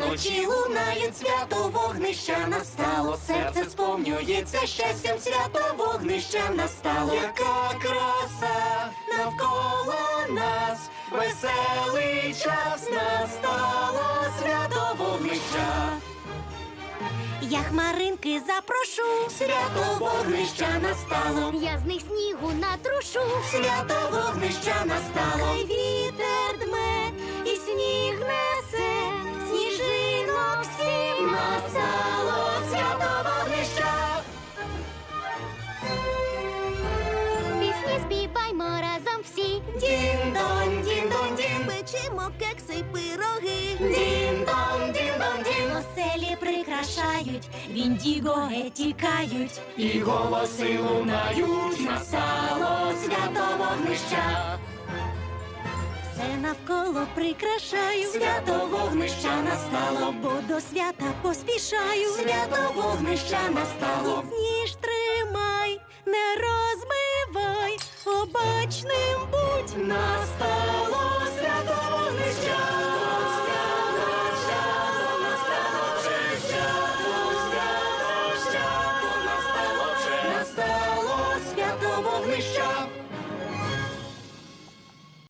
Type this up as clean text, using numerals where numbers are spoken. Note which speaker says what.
Speaker 1: Вночі лунають, свято вогнища настало, серце сповнюється щастям, свято вогнища настало. Яка краса навколо нас, веселий час настало, свято вогнища.
Speaker 2: Я хмаринки запрошу,
Speaker 1: Свято вогнища настало,
Speaker 2: я з них снігу натрушу.
Speaker 1: свято вогнища настало.
Speaker 2: Хай вітер дме і сніг несе, сніжинок всім
Speaker 1: Настало свято вогнища.
Speaker 2: Пісні співаймо разом всі.
Speaker 1: Дін-дон, дін-дон-дін,
Speaker 2: Печемо кекси й пироги.
Speaker 1: дін-дон, дін-дон-дін.
Speaker 2: Оселі прикрашають, віндіго тікають.
Speaker 1: І голоси лунають, настало свято вогнища.
Speaker 2: Все навколо прикрашаю.
Speaker 1: Свято вогнища настало,
Speaker 2: Бо до свята поспішаю.
Speaker 1: свято вогнища настало.
Speaker 2: Міцніш тримай, не розмивай, обачний